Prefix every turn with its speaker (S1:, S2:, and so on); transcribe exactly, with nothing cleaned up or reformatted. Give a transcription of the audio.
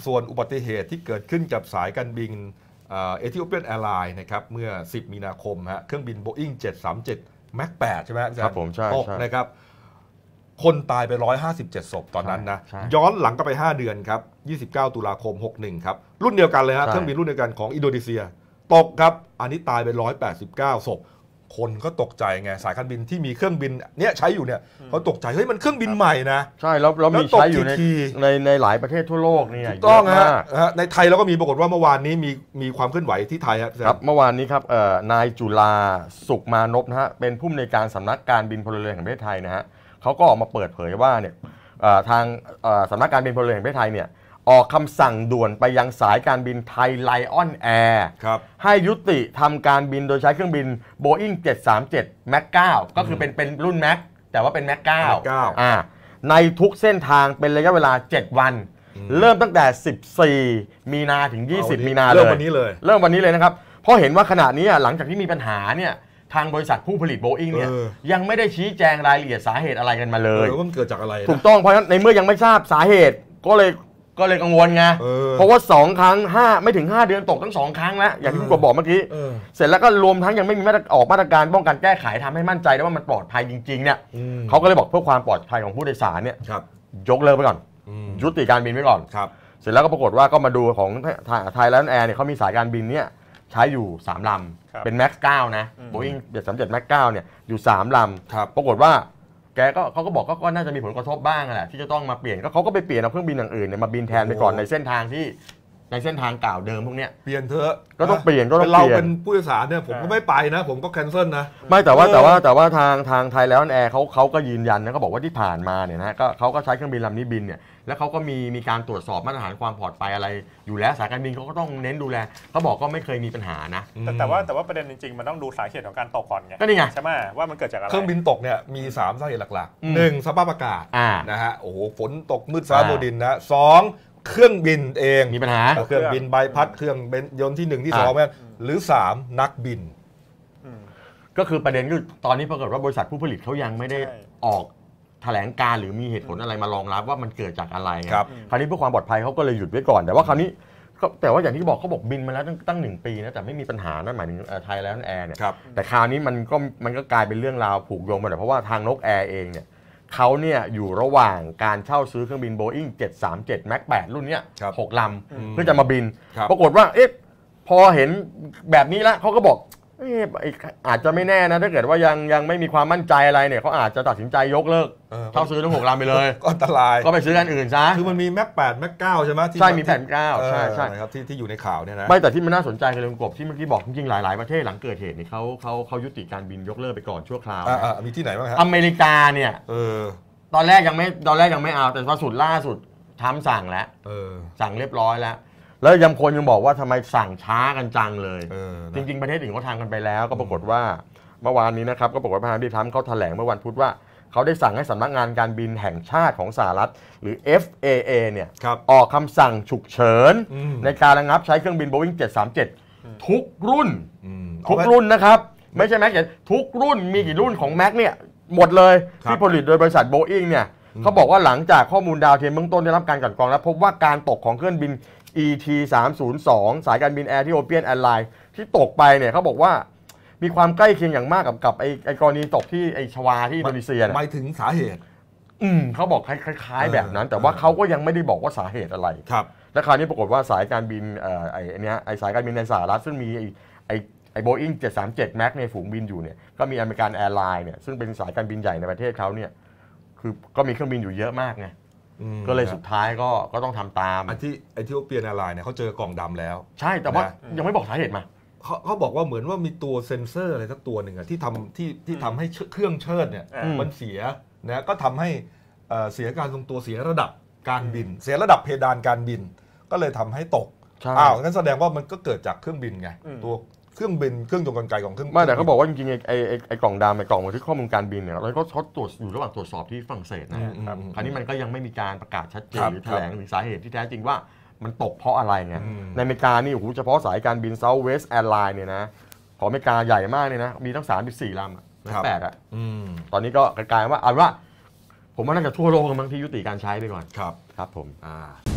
S1: ส่วนอุบัติเหตุที่เกิดขึ้นกับสายการบินเอธิโอเปียนแอร์ไลน์นะครับเมื่อสิบมีนาคมฮะเครื่องบิน Boeing เจ็ดสามเจ็ด แม็กซ์ แปดใช่ไหมครับ
S2: ผมใช่
S1: ตกนะครับคนตายไปหนึ่งร้อยห้าสิบเจ็ดศพตอนนั้นนะย้อนหลังก็ไปห้าเดือนครับยี่สิบเก้าตุลาคมหกสิบเอ็ดครับรุ่นเดียวกันเลยฮะเครื่องบินรุ่นเดียวกันของอินโดนีเซียตกครับอันนี้ตายไปหนึ่งร้อยแปดสิบเก้าศพคนก็ตกใจไงสายการบินที่มีเครื่องบินเนี้ยใช้อยู่เนี่ยเขาตกใจเฮ้ยมันเครื่องบินใหม่นะ
S2: ใช่แล้วเรามีใช้อยู่ในในในหลายประเทศทั่วโลกนี่
S1: ถูกต้องฮะในไทยเราก็มีปรากฏว่าเมื่อวานนี้มีมีความเคลื่อนไหวที่ไทย
S2: ครับเมื่อวานนี้ครับนายจุฬาสุขมานพนะฮะเป็นผู้อำนวยการสำนักการบินพลเรือนแห่งประเทศไทยนะฮะเขาก็ออกมาเปิดเผยว่าเนี่ยทางสำนักการบินพลเรือนแห่งประเทศไทยเนี่ยออกคำสั่งด่วนไปยังสายการบินไทยไลออนแอร์ให้ยุติทำการบินโดยใช้เครื่องบิน Boeing เจ็ดสามเจ็ด แม็กซ์ เก้า ก็คือเป็นเป็นรุ่น Max แต่ว่าเป็น แม็กซ์ เก้า อ่าในทุกเส้นทางเป็นระยะเวลาเจ็ดวันเริ่มตั้งแต่สิบสี่มีนาถึงยี่สิบมีนาเลย
S1: เริ่มวันนี้เลย
S2: เริ่มวันนี้เลยนะครับเพราะเห็นว่าขณะนี้หลังจากที่มีปัญหาเนี่ยทางบริษัทผู้ผลิต Boeing เนี่ยยังไม่ได้ชี้แจงรายละเอียดสาเหตุอะไรกันมาเลย
S1: ว่ามันเกิดจากอะไร
S2: ถูกต้องเพราะฉะนั้นในเมื่อยังไม่ทราบสาเหตุก็เลยก็เลยกังวลไงเพราะว่าสองครั้งห้าไม่ถึงห้าเดือนตกทั้งสองครั้งแล้วอย่างที่คุณกบบอกเมื่อกี้เสร็จแล้วก็รวมทั้งยังไม่มีมาตรออกมาตรการป้องกันแก้ไขทำให้มั่นใจได้ว่ามันปลอดภัยจริงๆเนี่ยเขาก็เลยบอกเพื่อความปลอดภัยของผู้โดยสารเนี่ยยกเลิกไปก่อนยุติการบินไว้ก่อนเสร็จแล้วก็ปรากฏว่าก็มาดูของไทยแลนด์แอร์เนี่ยเขามีสายการบินเนี่ยใช้อยู่สามลำเป็น แม็กซ์ เก้า นะ Boeing เจ็ดสามเจ็ด แม็กซ์ เก้า เนี่ยอยู่สามลำปรากฏว่าแกก็เขาก็บอกก็น่าจะมีผลกระทบบ้างแหละที่จะต้องมาเปลี่ยนก็เขาก็ไปเปลี่ยนเอาเครื่องบินอย่างอื่นเนี่ยมาบินแทนไปก่อนในเส้นทางที่ในเส้นทางเก่าเดิมพวกเนี้ย
S1: เปลี่ยนเถอะ
S2: ก็ต้องเปลี่ยนก็ต้อง
S1: เปลี่ยนเราเป็นผู้โดยสารเนี่ยผมก็ไม่ไปนะผมก็แคนเซิลนะ
S2: ไม่แต่ว่าแต่ว่าแต่ว่าทางทางไทยแลนด์แอร์เขาเขาก็ยืนยันนะเขาบอกว่าที่ผ่านมาเนี่ยนะก็เขาก็ใช้เครื่องบินลำนี้บินเนี่ยแล้วเขาก็มีมีการตรวจสอบมาตรฐานความปลอดภัยอะไรอยู่แล้วสายการบินเขาก็ต้องเน้นดูแลเขาบอกก็ไม่เคยมีปัญหานะ
S3: แต่แต่ว่าแต่ว่าประเด็นจริงๆมันต้องดูสาเหตุของการตกก่อนไง
S2: ก็นี่ไง
S3: ใช่ไหมว่ามันเกิดจากอะไร
S1: เครื่องบินตกเนี่ยมีสามสาเหตุหลักๆหนึ่งสภาพอากาศนะฮะโอ้โหฝนตกมืดฟ้ามัวดินนะสองเครื่องบินเอง
S2: มีปัญหา
S1: เครื่องบินใบพัดเครื่องยนต์ที่หนึ่งที่สองหรือสามนักบิน
S2: ก็คือประเด็นคือตอนนี้ปรากฏว่าบริษัทผู้ผลิตเขายังไม่ได้ออกแถลงการหรือมีเหตุผลอะไรมารองรับว่ามันเกิดจากอะไรครับคราวนี้เพื่อความปลอดภัยเขาก็เลยหยุดไว้ก่อนแต่ว่าคราวนี้แต่ว่าอย่างที่บอกเขาบอกบินมาแล้วตั้งตั้งหนึ่งปีนะแต่ไม่มีปัญหานั่นหมายถึงไทยแลนด์แอร์เนี่ยแต่คราวนี้มันก็มันก็กลายเป็นเรื่องราวผูกโยงไปเพราะว่าทางนกแอร์เองเนี่ยเขาเนี่ยอยู่ระหว่างการเช่าซื้อเครื่องบิน Boeing เจ็ดสามเจ็ด แม็กซ์ แปด รุ่นเนี้ยหกลำเพื่อจะมาบินปรากฏว่าเอ๊ะพอเห็นแบบนี้แล้วเขาก็บอกอาจจะไม่แน่นะถ้าเกิดว่ายังยังไม่มีความมั่นใจอะไรเนี่ยเขาอาจจะตัดสินใจยกเลิกเช่าซื้อทั้งหกลำไปเลย
S1: ก็อันตราย
S2: ก็ไปซื้อกันอื่นซะ
S1: คือมันมี แม็กซ์ แปด แม็กซ์ เก้า ใช่ไหม
S2: ใช่มีแผ่นเก้าใช่ใช่
S1: ครับที่ที่อยู่ในข่าวเนี่ยนะ
S2: ไม่แต่ที่มันน่าสนใจคือเรื่องกบที่เมื่อกี้บอกจริงๆหลายๆประเทศหลังเกิดเหตุนี่เขาเขาเขายุติการบินยกเลิกไปก่อนชั่วคราว
S1: มีที่ไหนบ้างครับ
S2: อเมริกาเนี่ยตอนแรกยังไม่ตอนแรกยังไม่เอาแต่ล่าสุดล่าสุดทำสั่งแล้วสั่งเรียบร้อยแล้วแล้วยังคนยังบอกว่าทำไมสั่งช้ากันจังเลยจริงๆประเทศอื่นเขาทำกันไปแล้วก็ปรากฏว่าเมื่อวานนี้นะครับก็ปรากฏว่าประธานาธิบดีทรัมป์เขาแถลงเมื่อวันพุธว่าเขาได้สั่งให้สำนักงานการบินแห่งชาติของสหรัฐหรือ เอฟ เอ เอ เนี่ยออกคำสั่งฉุกเฉินในการระงับใช้เครื่องบิน Boeing เจ็ดสามเจ็ดทุกรุ่นทุกรุ่นนะครับไม่ใช่แม็กซ์ทุกรุ่นมีกี่รุ่นของแม็กซ์เนี่ยหมดเลยที่ผลิตโดยบริษัท Boeing เนี่ยเขาบอกว่าหลังจากข้อมูลดาวเทียมเบื้องต้นได้รับการกลั่นกรองแล้วพบว่าการตกของเครื่องบิน อี ที สามศูนย์สอง สายการบิน Ethiopian Airlines ที่ตกไปเนี่ยเขาบอกว่ามีความใกล้เคียงอย่างมากกับกับไอ้ไอ้กรณีตกที่ไอ้ชวาที่อินโดนีเซีย
S1: หมายถึงสาเหตุ
S2: อืมเขาบอกคล้ายๆแบบนั้นแต่ว่าเขาก็ยังไม่ได้บอกว่าสาเหตุอะไร
S1: ครับ
S2: และคราวนี้ปรากฏว่าสายการบินเอ่อไอ้เนี้ยไอ้สายการบินในสหรัฐซึ่งมีไอ้ไอ้ไอ้ Boeing เจ็ดสามเจ็ด Max ในฝูงบินอยู่เนี่ยก็มีอเมริกันแอร์ไลน์เนี่ยซึ่งเป็นสายการบินใหญ่ในประเทศเขาเนี่ยคือก็มีเครื่องบินอยู่เยอะมากไงก็เลยสุดท้ายก็ก็ต้องทำตาม
S1: อันที่ไอที่เปียนแอร์ไลน์เนี่ยเขาเจอกล่องดำแล้ว
S2: ใช่แต่ว่ายังไม่บอกสาเหตุมา
S1: เขาเขาบอกว่าเหมือนว่ามีตัวเซ็นเซอร์อะไรสักตัวหนึ่งอะที่ทำที่ที่ทำให้เครื่องเชิดเนี่ยมันเสียนะก็ทำให้เสียการทรงตัวเสียระดับการบินเสียระดับเพดานการบินก็เลยทำให้ตกอ้าวงั้นแสดงว่ามันก็เกิดจากเครื่องบินไงตัวเครื่องบินเครื่องยนต์กลไกของเครื่อง
S2: ไม่แต่เขาบอกว่าจริงๆไอ้ไอ้ไอ้กล่องดำไอ้กล่องบันทึกข้อมูลการบินเนี่ยเราก็ทดตรวจอยู่ระหว่างตรวจสอบที่ฝรั่งเศสนะครับคราวนี้มันก็ยังไม่มีการประกาศชัดเจนหรือแถลงถึงสาเหตุที่แท้จริงว่ามันตกเพราะอะไรไงในอเมริกานี่โอ้โหเฉพาะสายการบิน Southwest Airlines เนี่ยนะของอเมริกาใหญ่มากเลยนะมีทั้งสามสิบสี่ลำแปดอ่ะตอนนี้ก็กลายว่าเอาว่าผมว่าน่าจะทั่วโลกมั้งที่ยุติการใช้ไปก่อน
S1: ครับ
S2: ครับผม
S1: อ่า